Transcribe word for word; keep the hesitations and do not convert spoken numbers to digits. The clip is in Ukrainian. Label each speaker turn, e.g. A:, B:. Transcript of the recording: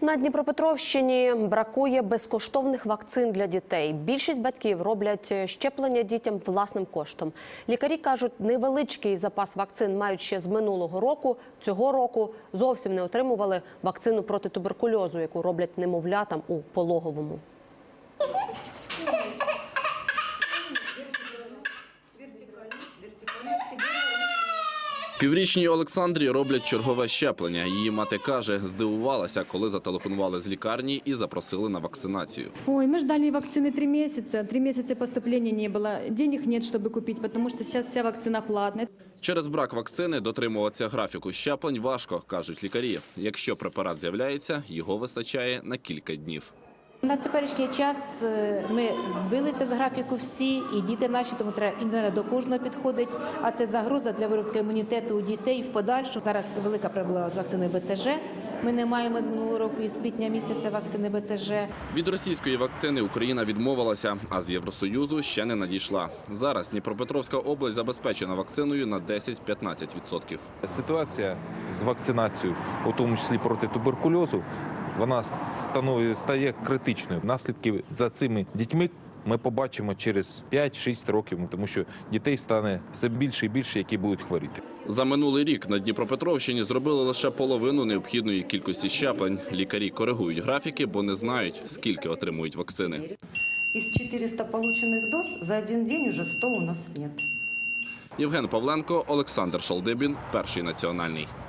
A: На Дніпропетровщині бракує безкоштовних вакцин для дітей. Більшість батьків роблять щеплення дітям власним коштом. Лікарі кажуть, невеличкий запас вакцин мають ще з минулого року. Цього року зовсім не отримували вакцину проти туберкульозу, яку роблять немовлятам у пологовому.
B: Піврічній Олександрі роблять чергове щеплення. Її мати каже, здивувалася, коли зателефонували з лікарні і запросили на вакцинацію.
C: Ой, мы ждали вакцины три месяца. Три месяца поступления не было. Денег нет, чтобы купить, потому что сейчас вся вакцина платная.
B: Через брак вакцини дотримуватися графіку щеплень важко, кажуть лікарі. Якщо препарат з'являється, його вистачає на кілька днів.
D: На теперішній час ми збилися з графіку всі, і діти наші, тому треба індивідуально до кожного підходить. А це загроза для виробки імунітету у дітей в подальшому. Зараз велика проблема з вакциною Б Ц Ж. Ми не маємо з минулого року і з квітня місяця вакцини Б Ц Ж.
B: Від російської вакцини Україна відмовилася, а з Євросоюзу ще не надійшла. Зараз Дніпропетровська область забезпечена вакциною на десять-п'ятнадцять відсотків.
E: Ситуація з вакцинацією, у тому числі проти туберкульозу, вона становить, стає критичною. Наслідки за цими дітьми ми побачимо через п'ять-шість років, тому що дітей стане все більше і більше, які будуть хворіти.
B: За минулий рік на Дніпропетровщині зробили лише половину необхідної кількості щеплень. Лікарі коригують графіки, бо не знають, скільки отримують вакцини.
F: Из четырёхсот полученных доз за один день уже сто у нас нет.
B: Євген Павленко, Олександр Шалдибін, Перший національний.